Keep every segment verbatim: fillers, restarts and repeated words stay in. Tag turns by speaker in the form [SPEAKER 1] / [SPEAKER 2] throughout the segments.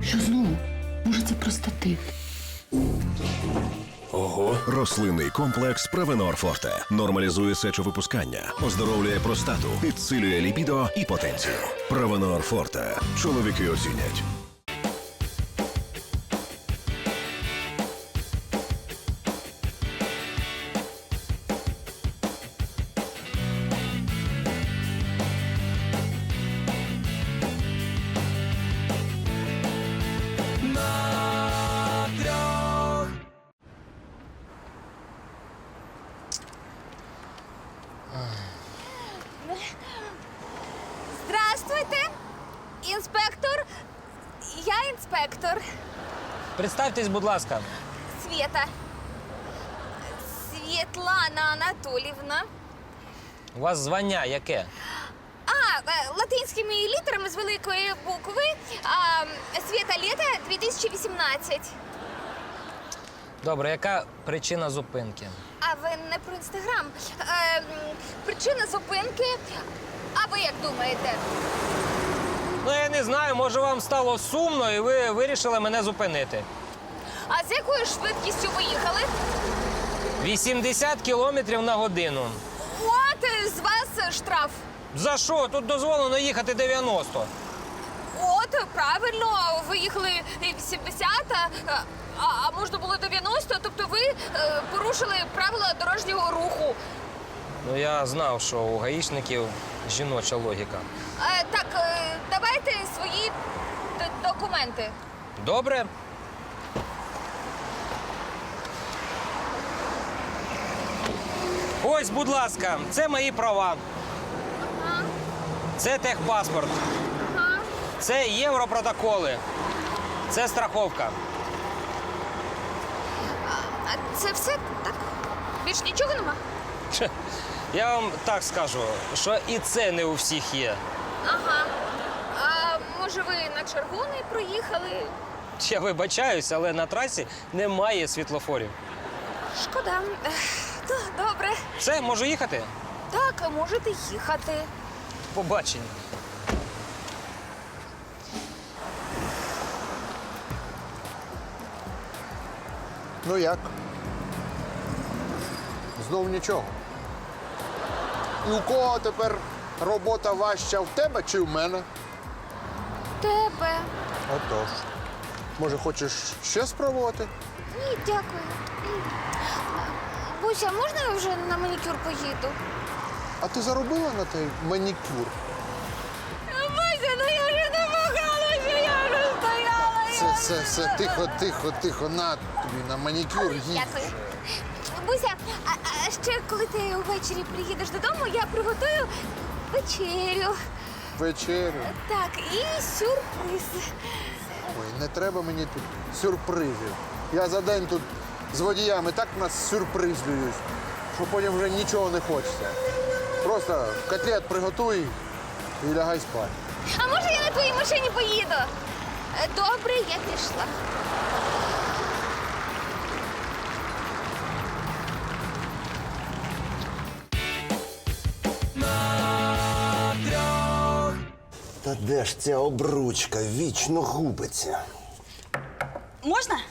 [SPEAKER 1] Що знову? Може, це простатит?
[SPEAKER 2] Ого. Рослинний комплекс Провенор Форте нормалізує сечовипускання, оздоровлює простату, підсилює лібідо і потенцію. Провенор Форте. Чоловіки оцінять.
[SPEAKER 3] Здравствуйте, інспектор. Я інспектор.
[SPEAKER 4] Представтесь, будь ласка.
[SPEAKER 3] Свєта. Світлана Анатолівна.
[SPEAKER 4] У вас звання яке?
[SPEAKER 3] А, е, латинськими літерами з великої букви. А, Свєта Лєта дві тисячі вісімнадцять.
[SPEAKER 4] Добре, яка причина зупинки?
[SPEAKER 3] А ви не про інстаграм. Е, м, причина зупинки. А ви як думаєте?
[SPEAKER 4] Ну, я не знаю, може вам стало сумно і ви вирішили мене зупинити.
[SPEAKER 3] А з якою швидкістю ви їхали?
[SPEAKER 4] вісімдесят кілометрів на годину.
[SPEAKER 3] От е, з вас штраф.
[SPEAKER 4] За що? Тут дозволено їхати дев'яносто.
[SPEAKER 3] От, правильно, ви їхали вісімдесят, а, а можна було дев'яносто, тобто ви е, порушили правила дорожнього руху.
[SPEAKER 4] Ну, я знав, що у гаїшників жіноча логіка.
[SPEAKER 3] Е, так, е, давайте свої д- документи.
[SPEAKER 4] Добре? Ось, будь ласка, це мої права.
[SPEAKER 3] Ага,
[SPEAKER 4] Це техпаспорт.
[SPEAKER 3] ага.
[SPEAKER 4] Це європротоколи. Це страховка.
[SPEAKER 3] А це все так? Більш нічого нема?
[SPEAKER 4] Че, я вам так скажу, що і це не у всіх є.
[SPEAKER 3] Ага. А може ви на червоний проїхали?
[SPEAKER 4] Я вибачаюсь, але на трасі немає світлофорів.
[SPEAKER 3] Шкода. Ех, д- Добре.
[SPEAKER 4] Все, можу їхати?
[SPEAKER 3] Так, можете їхати.
[SPEAKER 4] Побачення.
[SPEAKER 5] Ну як? Знов нічого. І у кого тепер робота важча, в тебе чи в мене?
[SPEAKER 3] Тебе.
[SPEAKER 5] Отож. Може, хочеш ще спробувати?
[SPEAKER 3] Ні, дякую. М. Буся, можна я вже на манікюр поїду?
[SPEAKER 5] А ти заробила на той манікюр?
[SPEAKER 3] Буся, ну я вже не могла, що я вже стояла.
[SPEAKER 5] Все, все, все, тихо, тихо, тихо, на тобі на манікюр їдь.
[SPEAKER 3] Дякую. Буся, а, а ще коли ти ввечері приїдеш додому, я приготую вечерю.
[SPEAKER 5] Вечерю.
[SPEAKER 3] Так, і сюрприз.
[SPEAKER 5] Ой, не треба мені тут сюрпризів. Я за день тут з водіями так нас сюрпризлюють, що потім вже нічого не хочеться. Просто котлет приготуй і лягай спати.
[SPEAKER 3] А може я на твоїй машині поїду? Е, Добре, я пішла.
[SPEAKER 6] Та де ж ця обручка вічно губиться?
[SPEAKER 7] Можна?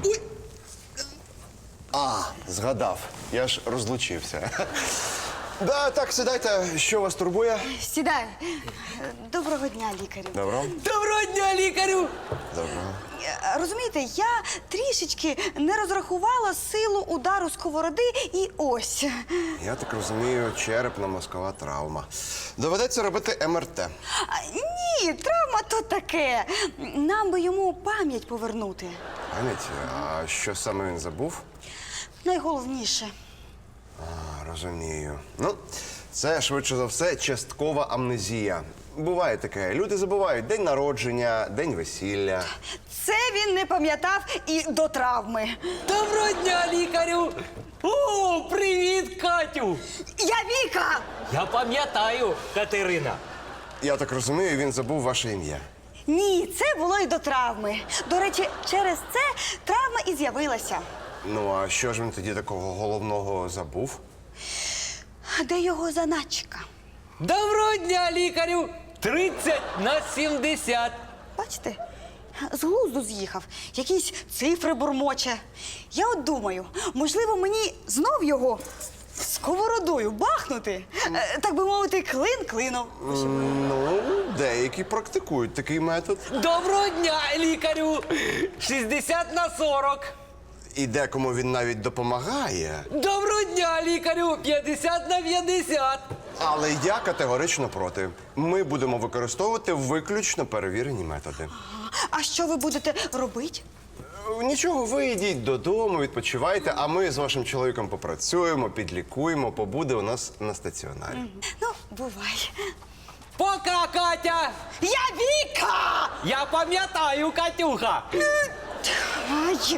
[SPEAKER 6] А, згадав. Я ж розлучився. Да, так, сідайте. Що вас турбує?
[SPEAKER 7] Сідай. Доброго дня, лікарю.
[SPEAKER 6] Добро?
[SPEAKER 7] Доброго дня, лікарю!
[SPEAKER 6] Добро.
[SPEAKER 7] Е, Розумієте, я трішечки не розрахувала силу удару сковороди і ось.
[SPEAKER 6] Я так розумію, черепно-мозкова травма. Доведеться робити ем ер те.
[SPEAKER 7] А, Ні, травма то таке. Нам би йому пам'ять повернути.
[SPEAKER 6] Пам'ять, а що саме він забув?
[SPEAKER 7] Найголовніше.
[SPEAKER 6] А, розумію. Ну, це швидше за все часткова амнезія. Буває таке. Люди забувають день народження, день весілля.
[SPEAKER 7] Це він не пам'ятав і до травми.
[SPEAKER 8] Доброго дня, лікарю! О, привіт, Катю!
[SPEAKER 7] Я Віка!
[SPEAKER 8] Я пам'ятаю, Катерина.
[SPEAKER 6] Я так розумію, він забув ваше ім'я.
[SPEAKER 7] Ні, це було і до травми. До речі, через це травма і з'явилася.
[SPEAKER 6] Ну, а що ж він тоді такого головного забув?
[SPEAKER 7] Де його заначка?
[SPEAKER 8] Доброго дня, лікарю! тридцять на сімдесят.
[SPEAKER 7] Бачите, з глузду з'їхав, якісь цифри бурмоче. Я от думаю, можливо, мені знов його сковородою бахнути, Е, так би мовити, клин клином.
[SPEAKER 6] Ну, деякі практикують такий метод.
[SPEAKER 8] Доброго дня, лікарю! шістдесят на сорок.
[SPEAKER 6] І декому він навіть допомагає.
[SPEAKER 8] Доброго дня, лікарю! п'ятдесят на п'ятдесят.
[SPEAKER 6] Але я категорично проти. Ми будемо використовувати виключно перевірені методи.
[SPEAKER 7] А що ви будете робити?
[SPEAKER 6] Нічого, ви йдіть додому, відпочивайте, а ми з вашим чоловіком попрацюємо, підлікуємо, побуде у нас на стаціонарі.
[SPEAKER 7] Ну, бувай.
[SPEAKER 8] Пока, Катя!
[SPEAKER 7] Я Віка!
[SPEAKER 8] Я пам'ятаю, Катюха!
[SPEAKER 7] Ай,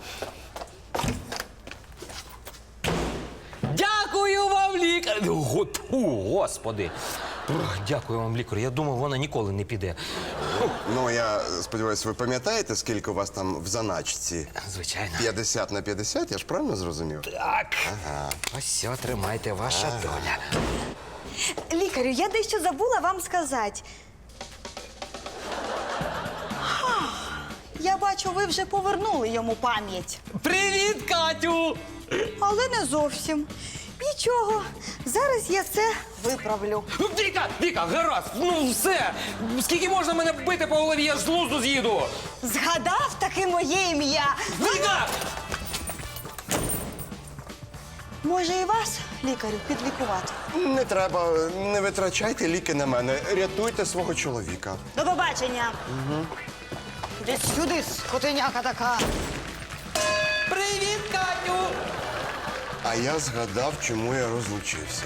[SPEAKER 8] Дякую вам, лікар! Го- Фу, Господи! Ух, Дякую вам, лікар. Я думав, вона ніколи не піде.
[SPEAKER 6] Ну, я сподіваюся, ви пам'ятаєте, скільки у вас там в заначці?
[SPEAKER 8] Звичайно.
[SPEAKER 6] п'ятдесят на п'ятдесят, я ж правильно зрозумів?
[SPEAKER 8] Так. Ось все, тримайте, ваша доля.
[SPEAKER 7] лікарю, я дещо забула вам сказати. Ха, Я бачу, ви вже повернули йому пам'ять.
[SPEAKER 8] Привіт, Катю!
[SPEAKER 7] Але не зовсім. Нічого, зараз я це виправлю.
[SPEAKER 4] Віка, Віка, гаразд, ну все. Скільки можна мене бити по голові, я ж з глузду з'їду.
[SPEAKER 7] Згадав таки моє ім'я.
[SPEAKER 4] Віка!
[SPEAKER 7] Може і вас, лікарю, підлікувати?
[SPEAKER 6] Не треба, не витрачайте ліки на мене. Рятуйте свого чоловіка.
[SPEAKER 7] До побачення. Угу. Іди сюди, скотиняка така.
[SPEAKER 8] Привіт, Катю!
[SPEAKER 6] А я згадав, чому я розлучився.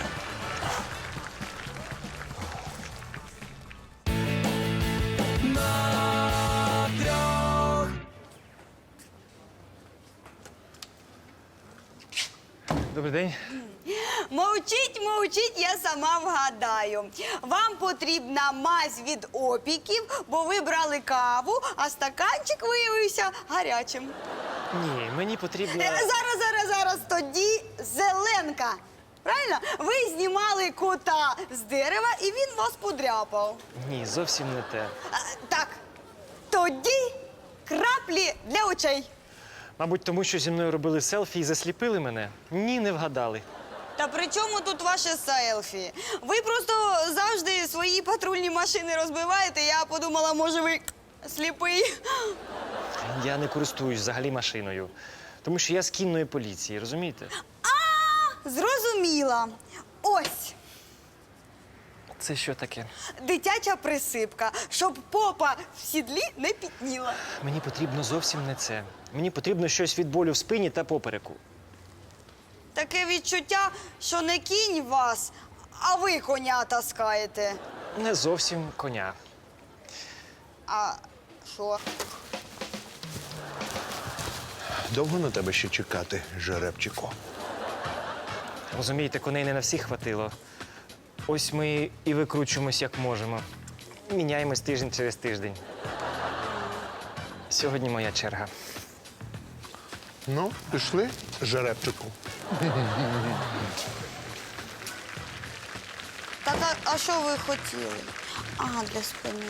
[SPEAKER 4] Добрий день.
[SPEAKER 7] Мовчіть, мовчіть, я сама вгадаю. Вам потрібна мазь від опіків, бо ви брали каву, а стаканчик виявився гарячим.
[SPEAKER 9] Ні, мені потрібно.
[SPEAKER 7] Е, Зараз, зараз, зараз, тоді зеленка. Правильно? Ви знімали кота з дерева і він вас подряпав.
[SPEAKER 9] Ні, зовсім не те.
[SPEAKER 7] А, так, тоді краплі для очей.
[SPEAKER 9] Мабуть, тому що зі мною робили селфі і засліпили мене. Ні, не вгадали.
[SPEAKER 7] Та при чому тут ваше селфі? Ви просто завжди свої патрульні машини розбиваєте. Я подумала, може, ви сліпий.
[SPEAKER 9] Я не користуюсь взагалі машиною. Тому що я з кінної поліції, розумієте?
[SPEAKER 7] Зрозуміла. Ось
[SPEAKER 9] Це що таке?
[SPEAKER 7] дитяча присипка, щоб попа в сідлі не пітніла.
[SPEAKER 9] Мені потрібно зовсім не це. Мені потрібно щось від болю в спині та попереку.
[SPEAKER 7] Таке відчуття, що не кінь вас, а ви коня таскаєте.
[SPEAKER 9] Не зовсім коня.
[SPEAKER 7] А що?
[SPEAKER 5] Довго на тебе ще чекати, жеребчику?
[SPEAKER 9] Розумієте, коней не на всіх хватило. Ось ми і викручуємось, як можемо. Міняємось тиждень через тиждень. Сьогодні моя черга.
[SPEAKER 5] Ну, пішли, жеребчику.
[SPEAKER 7] Так, а, а що ви хотіли? А, для спини.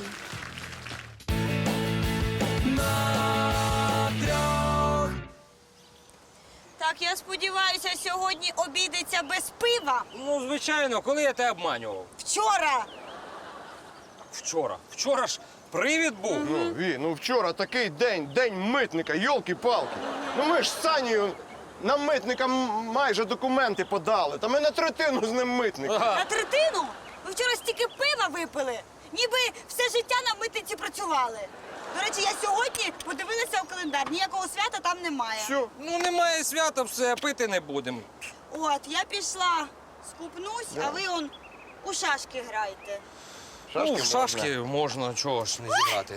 [SPEAKER 7] Так, я сподіваюся, сьогодні обійдеться без пива.
[SPEAKER 4] Ну, звичайно, коли я тебе обманював?
[SPEAKER 7] Вчора.
[SPEAKER 4] Вчора. Вчора ж привід був.
[SPEAKER 10] Ну, Ві, ну вчора такий день, день митника, йолки-палки. Ну ми ж з Санєю на митника м- майже документи подали. Та ми на третину з ним митник.
[SPEAKER 7] На третину? Ви вчора стільки пива випили, ніби все життя на митниці працювали. До речі, я сьогодні подивилася у календар, ніякого свята там немає.
[SPEAKER 10] Що?
[SPEAKER 4] Ну, немає свята, все, пити не будемо.
[SPEAKER 7] От, я пішла, скупнусь, а ви он у шашки граєте.
[SPEAKER 4] Ну, в шашки можна, чого ж не зіграти.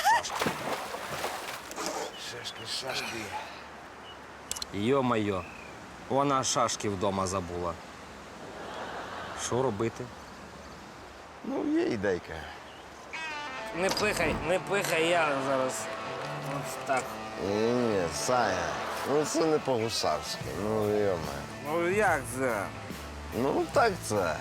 [SPEAKER 6] Шашки, шашки.
[SPEAKER 4] Йо-майо, вона шашки вдома забула. Що робити?
[SPEAKER 6] Ну, є ідейка.
[SPEAKER 4] Не пихай, не пихай, я зараз. От так.
[SPEAKER 6] Ні, ні, Саня, ну це не по-гусарськи, ну йоме.
[SPEAKER 4] Ну як це?
[SPEAKER 6] Ну так це.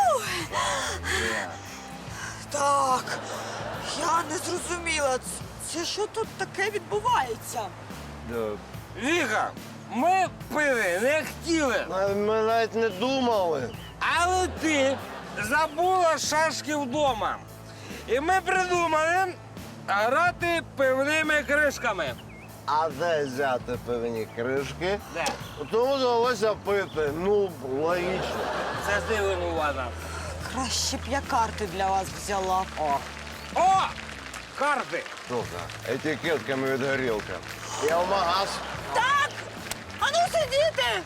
[SPEAKER 7] Так, я не зрозуміла, ц- Це що тут таке відбувається?
[SPEAKER 4] Віка, ми пили не хотіли,
[SPEAKER 10] Ми навіть не думали.
[SPEAKER 4] але ти забула шашки вдома. І ми придумали грати пивними кришками.
[SPEAKER 10] А де взяти певні кришки?
[SPEAKER 4] Де?
[SPEAKER 10] Тому довелося пити. Ну, логічно.
[SPEAKER 4] Це ти винувата.
[SPEAKER 7] Краще б я карти для вас взяла.
[SPEAKER 4] О! О! Карти!
[SPEAKER 10] Слухай, етикетками від горілки. Я в магаз.
[SPEAKER 7] Так! Ану сидіти!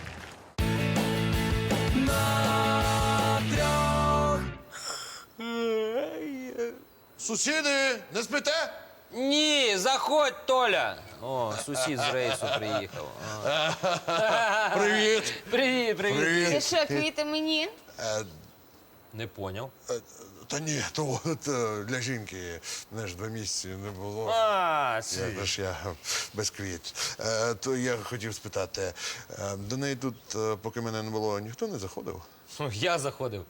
[SPEAKER 5] Сусіди, не спите?
[SPEAKER 8] Ні, заходь, Толя. О, сусід з рейсу приїхав.
[SPEAKER 5] Привіт.
[SPEAKER 8] Привіт, привіт.
[SPEAKER 3] Це що, квіти мені?
[SPEAKER 8] Не поняв.
[SPEAKER 5] Та ні, то от, е, для жінки, знаєш, два місяці не було.
[SPEAKER 8] А,
[SPEAKER 5] Я ж я без квіт. Е, то я хотів спитати, е, до неї тут, е, поки мене не було, ніхто не заходив?
[SPEAKER 8] ну, я заходив.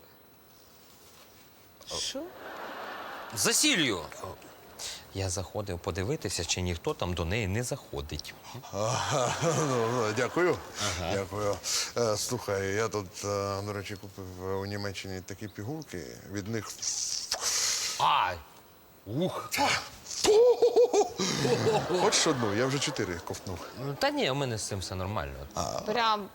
[SPEAKER 3] Що?
[SPEAKER 8] За сіллю. Я заходив подивитися, чи ніхто там до неї не заходить.
[SPEAKER 5] Ага, ну, ну, дякую. Дякую. Е, слухай, я тут, е, до речі, купив у Німеччині такі пігулки. Від них.
[SPEAKER 8] А, ух.
[SPEAKER 5] Хочеш одну? Я вже чотири ковтнув.
[SPEAKER 8] Ну, та ні, у мене з цим все нормально.
[SPEAKER 3] Прям.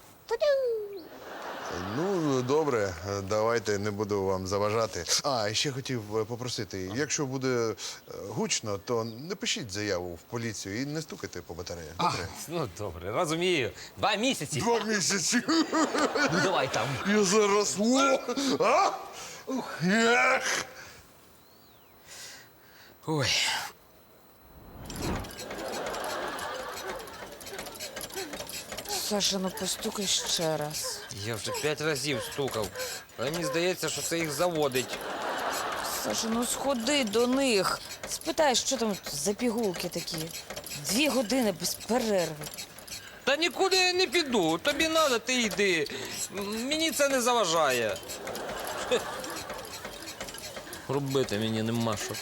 [SPEAKER 5] Ну, добре, давайте, не буду вам заважати. А, і ще хотів попросити, якщо буде е, гучно, то не пишіть заяву в поліцію і не стукайте по батареях. Добре?
[SPEAKER 8] Ну, добре, розумію. Два місяці.
[SPEAKER 5] Два місяці.
[SPEAKER 8] Ну, давай там.
[SPEAKER 5] Я зараз. О! А? Ех!
[SPEAKER 8] Ой.
[SPEAKER 1] Саша, ну постукай ще раз.
[SPEAKER 8] Я вже п'ять разів стукав. Але мені здається, що це їх заводить.
[SPEAKER 1] Саша, ну сходи до них. Спитай, що там за пігулки такі. Дві години без перерви.
[SPEAKER 8] Та нікуди я не піду. Тобі треба, ти йди. М, Мені це не заважає. Хе. Робити мені нема що.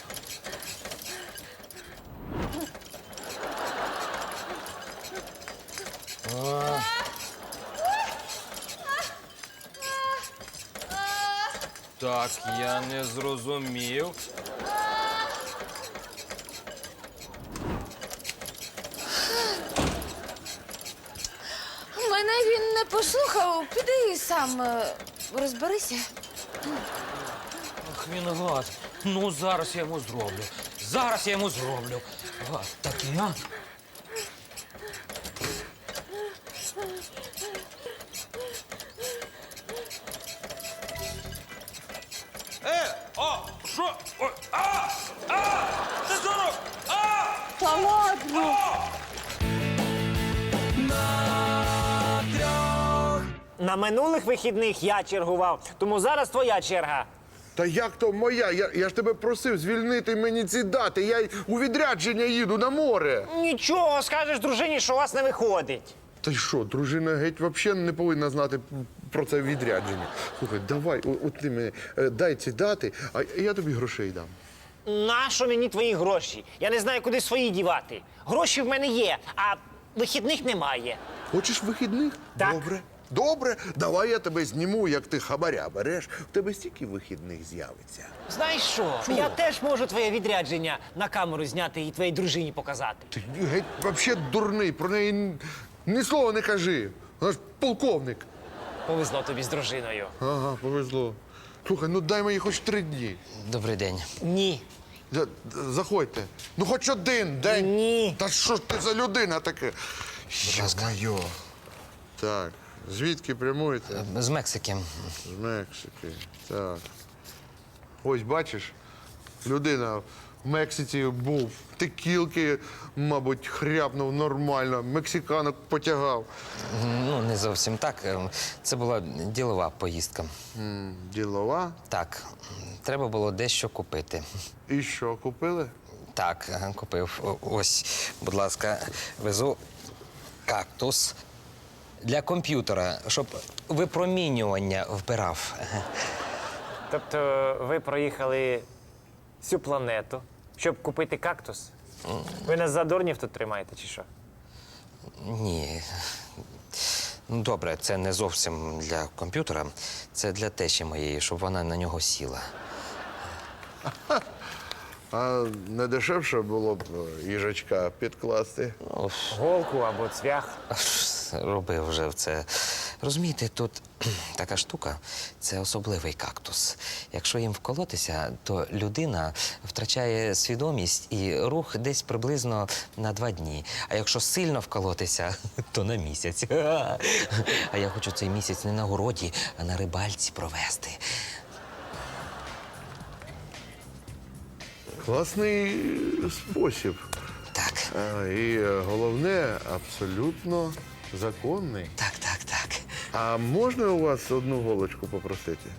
[SPEAKER 8] Так, я не зрозумів.
[SPEAKER 1] Мене він не послухав. Піди сам е, розберися.
[SPEAKER 8] Ах, він гад. Ну, зараз я йому зроблю. Зараз я йому зроблю. Гад такий, а? Е, о, що? Ой, а! А! Ти що роб- А!
[SPEAKER 7] Та ладно!
[SPEAKER 9] На минулих вихідних я чергував, тому зараз твоя черга.
[SPEAKER 5] Та як то моя? Я, я ж тебе просив звільнити мені ці дати. Я й у відрядження їду на море.
[SPEAKER 9] Нічого, скажеш дружині, що у вас не виходить.
[SPEAKER 5] Та й що, дружина геть взагалі не повинна знати про це відрядження. Слухай, давай, о- от ти мені е, дай ці дати, а я тобі грошей дам.
[SPEAKER 9] Нащо мені твої гроші? Я не знаю, куди свої дівати. Гроші в мене є, а вихідних немає.
[SPEAKER 5] Хочеш вихідних?
[SPEAKER 9] Так.
[SPEAKER 5] Добре. Добре, давай я тебе зніму, як ти хабаря береш. В тебе стільки вихідних з'явиться.
[SPEAKER 9] Знаєш що? Я теж можу твоє відрядження на камеру зняти і твоїй дружині показати.
[SPEAKER 5] Ти геть взагалі дурний, про неї н- ні слова не кажи. Вона ж полковник.
[SPEAKER 9] Повезло тобі з дружиною.
[SPEAKER 5] Ага, повезло. Слухай, ну дай мені хоч три дні.
[SPEAKER 8] Добрий день.
[SPEAKER 9] Ні.
[SPEAKER 5] За- Заходьте. Ну хоч один день.
[SPEAKER 9] Ні.
[SPEAKER 5] Та що ж ти за людина таке?
[SPEAKER 8] ласка.
[SPEAKER 5] Йо-моє. Так, звідки прямуєте?
[SPEAKER 8] З Мексики.
[SPEAKER 5] З Мексики. Так. Ось бачиш, людина в Мексиці був, текілки, мабуть, хряпнув нормально, мексиканок потягав.
[SPEAKER 8] Ну, не зовсім так. Ем, Це була ділова поїздка.
[SPEAKER 5] М, Ділова.
[SPEAKER 8] Так, треба було дещо купити.
[SPEAKER 5] І що, купили?
[SPEAKER 8] Так, е, купив. О- Ось, будь ласка, везу кактус для комп'ютера, щоб випромінювання вбирав.
[SPEAKER 9] Тобто ви проїхали всю планету, щоб купити кактус? Ви нас за дурнів тут тримаєте, чи що?
[SPEAKER 8] Ні. Ну, добре, це не зовсім для комп'ютера, це для тещі моєї, щоб вона на нього сіла.
[SPEAKER 5] А не дешевше було б їжачка підкласти?
[SPEAKER 9] Голку або цвях.
[SPEAKER 8] Робив вже це. Розумієте, тут така штука це особливий кактус. Якщо їм вколотися, то людина втрачає свідомість і рух десь приблизно на два дні. А якщо сильно вколотися, то на місяць. А я хочу цей місяць не на городі, а на рибальці провести.
[SPEAKER 5] Класний спосіб.
[SPEAKER 8] Так.
[SPEAKER 5] А, і головне, абсолютно законний.
[SPEAKER 8] Так, так, так.
[SPEAKER 5] А можна у вас одну голочку попросити?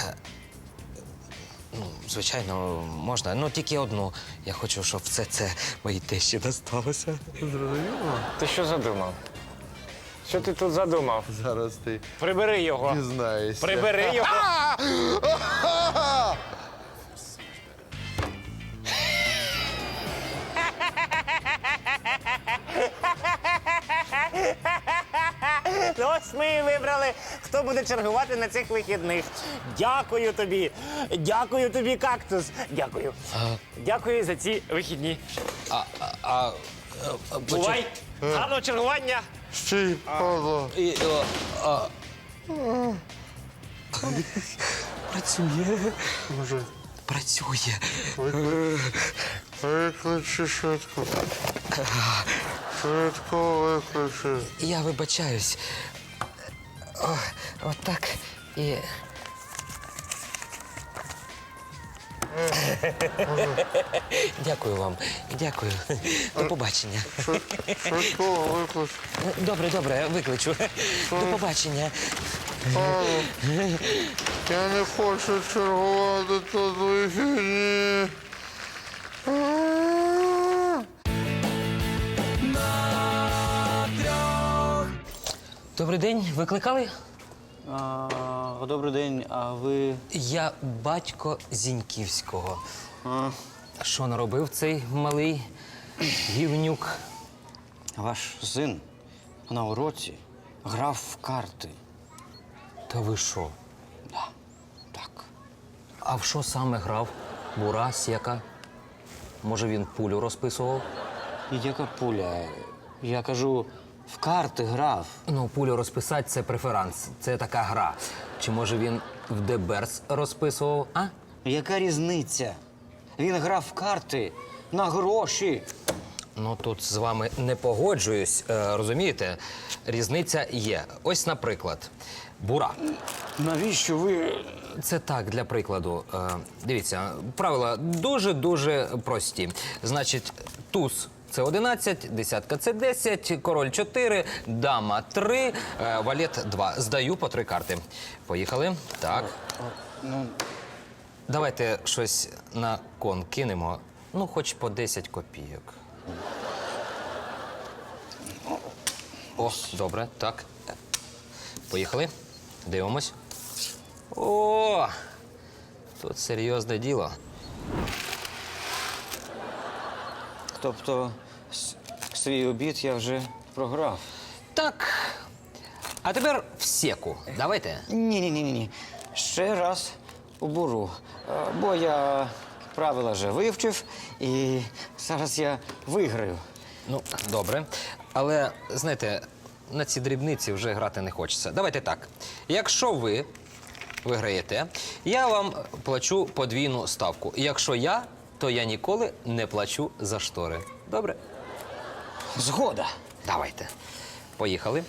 [SPEAKER 8] Ну, звичайно, можна. Ну, тільки одну. Я хочу, щоб все це моїй тещі досталося.
[SPEAKER 5] Зрозуміло?
[SPEAKER 9] Ти що задумав? Що ти тут задумав?
[SPEAKER 5] Зараз ти
[SPEAKER 9] Прибери його.
[SPEAKER 5] дізнаєшся.
[SPEAKER 9] Прибери його. Ну, ось ми і вибрали, хто буде чергувати на цих вихідних. Дякую тобі. Дякую тобі, кактус. Дякую. Дякую за ці вихідні.
[SPEAKER 8] А, а, а, а,
[SPEAKER 9] Бувай. Гарного чергування.
[SPEAKER 5] Ще й падла.
[SPEAKER 8] І, о, а. Працює.
[SPEAKER 5] Може,
[SPEAKER 8] Працює.
[SPEAKER 5] викличе швидко. Швидко викличе.
[SPEAKER 8] Я вибачаюсь. О, отак і. Дякую вам. Дякую. До побачення.
[SPEAKER 5] Швидко викличе.
[SPEAKER 8] Добре, добре, викличу. До побачення.
[SPEAKER 5] Я не хочу чергувати тут вихідні.
[SPEAKER 8] Добрий день, викликали?
[SPEAKER 11] А, добрий день, а ви.
[SPEAKER 8] Я батько Зіньківського.
[SPEAKER 11] А,
[SPEAKER 8] Що наробив цей малий гівнюк?
[SPEAKER 11] ваш син на уроці грав в карти.
[SPEAKER 8] Та ви що?
[SPEAKER 11] Да, так.
[SPEAKER 8] А в що саме грав? Бура, сєка? Може, він пулю розписував?
[SPEAKER 11] І яка пуля? Я кажу, в карти грав.
[SPEAKER 8] Ну, пулю розписати – це преферанс, це така гра. Чи може він в Деберс розписував, а?
[SPEAKER 11] Яка різниця? Він грав в карти на гроші.
[SPEAKER 8] Ну, тут з вами не погоджуюсь, е, розумієте? Різниця є. Ось, наприклад, бура.
[SPEAKER 11] Навіщо ви.
[SPEAKER 8] Це так, для прикладу. Е, дивіться, правила дуже-дуже прості. Значить, туз – це одинадцять, десятка – це десять, король – чотири, дама – три, е, валет – два. Здаю по три карти. Поїхали. Так.
[SPEAKER 11] Ну,
[SPEAKER 8] Давайте щось на кон кинемо. Ну, хоч по десять копійок. О, добре, так. Поїхали. Дивимось. О! Тут серйозне діло.
[SPEAKER 11] тобто, с- свій обід я вже програв.
[SPEAKER 8] Так. А тепер в секу. Давайте.
[SPEAKER 11] Ні-ні-ні. Ще раз у буру. Е, Бо я правила вже вивчив, і зараз я виграю.
[SPEAKER 8] Ну, добре. Але, знаєте, на ці дрібниці вже грати не хочеться. Давайте так. Якщо ви виграєте, я вам плачу подвійну ставку. Якщо я, то я ніколи не плачу за штори. Добре?
[SPEAKER 11] Згода.
[SPEAKER 8] Давайте. Поїхали.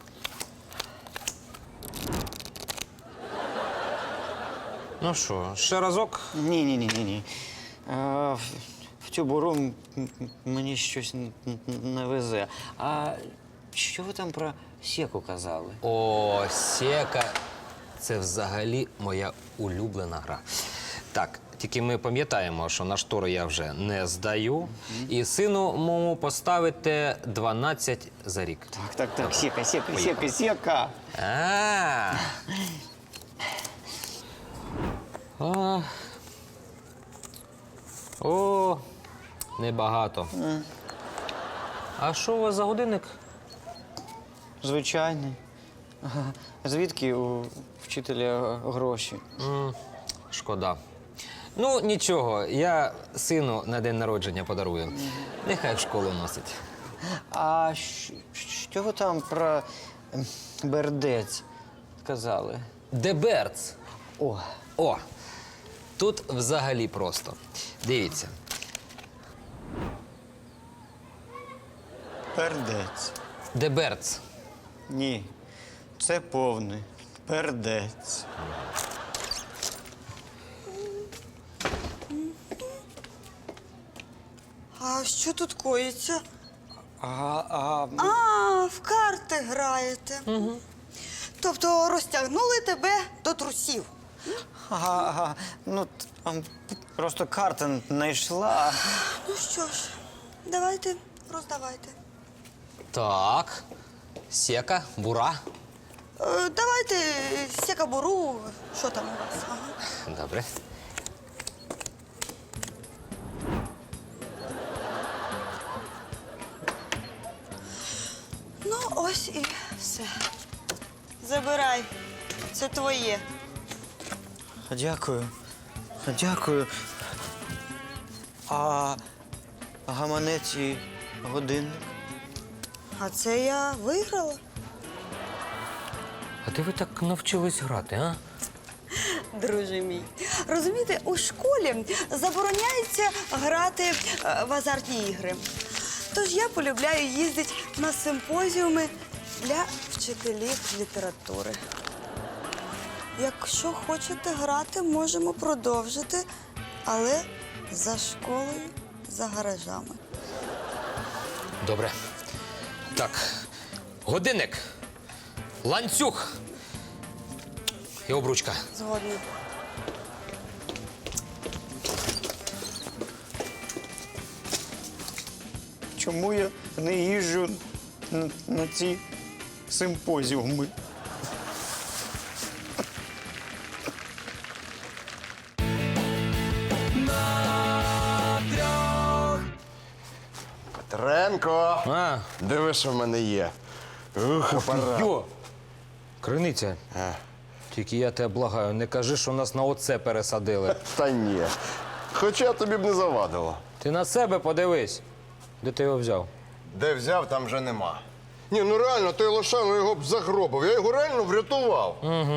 [SPEAKER 8] Ну що, ще разок?
[SPEAKER 11] Ні-ні-ні-ні. В, в цю буру м- м- мені щось н- н- не везе. А що ви там про секу казали?
[SPEAKER 8] О, сека. Це взагалі моя улюблена гра. Так, тільки ми пам'ятаємо, що на штори я вже не здаю. І сину моєму поставите дванадцять за рік.
[SPEAKER 11] Так, так, так, сека, сека, сека, сека.
[SPEAKER 8] А. А. О.
[SPEAKER 4] Небагато. А що у вас за годинник?
[SPEAKER 11] Звичайний. Ага. Звідки у вчителя гроші?
[SPEAKER 4] Шкода. Ну, нічого, я сину на день народження подарую. Нехай в школу носить.
[SPEAKER 11] А щ- що ви там про ем, бердець сказали?
[SPEAKER 4] Деберц.
[SPEAKER 11] О,
[SPEAKER 4] О, тут взагалі просто. Дивіться.
[SPEAKER 11] пердець.
[SPEAKER 4] Деберц.
[SPEAKER 11] Ні, це повний пердець.
[SPEAKER 7] А що тут коїться?
[SPEAKER 11] А, а,
[SPEAKER 7] А, в карти граєте. Угу. Тобто розтягнули тебе до трусів.
[SPEAKER 11] ага, ага. Ну, там просто карта не йшла.
[SPEAKER 7] Ну що ж, давайте, роздавайте.
[SPEAKER 4] Так. Сека, бура.
[SPEAKER 7] Е, давайте сякабуру. Що там у вас? Ага.
[SPEAKER 4] Добре.
[SPEAKER 7] Ну, ось і все. Забирай. Це твоє.
[SPEAKER 11] Дякую. Дякую. А гаманець і годинник?
[SPEAKER 7] А це я виграла.
[SPEAKER 4] А де ви так навчились грати, а?
[SPEAKER 7] Друже мій. Розумієте, у школі забороняється грати е, в азартні ігри. Тож я полюбляю їздити на симпозіуми для вчителів літератури. Якщо хочете грати, можемо продовжити, але за школою, за гаражами.
[SPEAKER 4] Добре. Так. Годинник. Ланцюг. І обручка.
[SPEAKER 7] Згодні.
[SPEAKER 11] Чому я не їжджу на, на ці симпозіуми?
[SPEAKER 10] Петренко!
[SPEAKER 4] А,
[SPEAKER 10] Диви, що в мене є. Ух, апарат.
[SPEAKER 4] йо! Криниця. Тільки я тебе благаю, не кажи, що нас на оце пересадили.
[SPEAKER 10] Та ні. Хоча тобі б не завадило.
[SPEAKER 4] Ти на себе подивись. Де ти його взяв?
[SPEAKER 10] Де взяв, там вже нема. Ні, ну реально, той Лошано його б загробив. Я його реально врятував.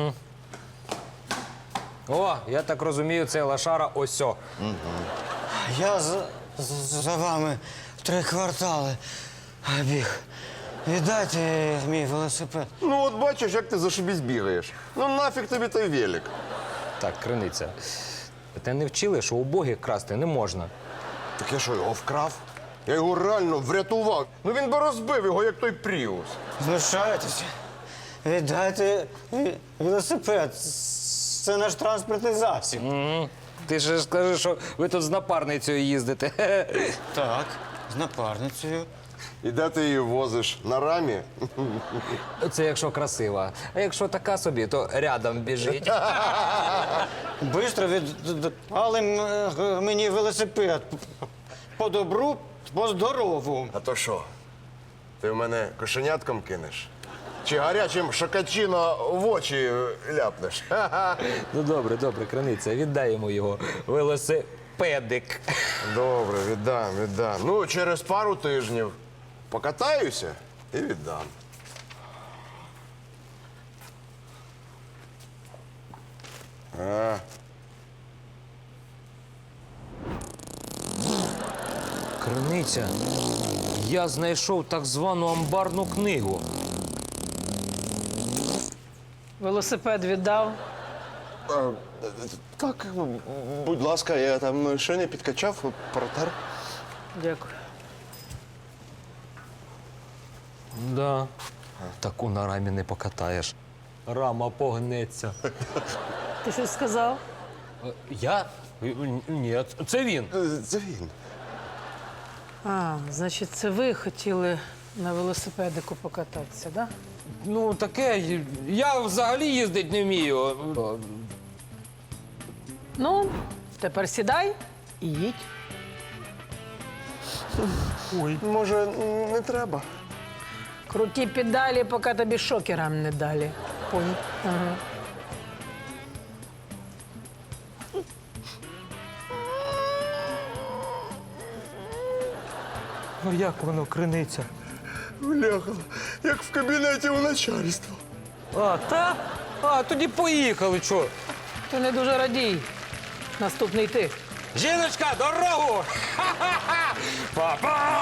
[SPEAKER 4] О, я так розумію, це лошара осьо.
[SPEAKER 11] Я за, за, за вами три квартали біг. Віддайте мій велосипед.
[SPEAKER 10] Ну от бачиш, як ти зашибісь бігаєш. Ну нафіг тобі той велик.
[SPEAKER 4] Так, криниця. Те не вчили, що убогих красти не можна.
[SPEAKER 10] Так я що, його вкрав? Я його реально врятував. Ну він би розбив його, як той Пріус.
[SPEAKER 11] Знущаєтеся? Віддайте ві- велосипед. Це наш транспортний засіб.
[SPEAKER 4] Ти ж скажи, що ви тут з напарницею їздите.
[SPEAKER 11] Так, з напарницею.
[SPEAKER 10] І де ти її возиш? На рамі?
[SPEAKER 4] Це якщо красива. А якщо така собі, то рядом біжить.
[SPEAKER 11] Бистро віддали м- мені велосипед. По добру, по здорову.
[SPEAKER 10] А то що? Ти в мене кошенятком кинеш? Чи гарячим шокачино в очі ляпнеш?
[SPEAKER 4] Ну добре, добре, криниця, віддай йому його велосипедик.
[SPEAKER 10] Добре, віддам, віддам. Ну, через пару тижнів покатаюся і віддам. А,
[SPEAKER 4] Криниця, я знайшов так звану амбарну книгу.
[SPEAKER 12] Велосипед віддав.
[SPEAKER 10] а, так, будь ласка, я там ще не підкачав, протер.
[SPEAKER 12] Дякую.
[SPEAKER 4] Да. Таку на рамі не покатаєш. Рама погнеться.
[SPEAKER 12] Ти щось сказав?
[SPEAKER 4] Е, Я? Е, Ні, це він.
[SPEAKER 10] Це він.
[SPEAKER 12] А, значить, це ви хотіли на велосипедику покататися, так? Да?
[SPEAKER 4] Ну, таке, я взагалі їздить не вмію.
[SPEAKER 12] Ну, тепер сідай і їдь.
[SPEAKER 10] Ой. Може, не треба?
[SPEAKER 12] Круті педалі, поки тобі шокерам не далі.
[SPEAKER 10] Понял.
[SPEAKER 12] Ага.
[SPEAKER 10] Ну як воно криниться? Бляха, як в кабінеті у начальства.
[SPEAKER 4] А, та? А, тоді поїхали, чо?
[SPEAKER 12] Ти не дуже радій. Наступний ти.
[SPEAKER 4] Жіночка, дорогу! Ха-ха-ха! Па-па!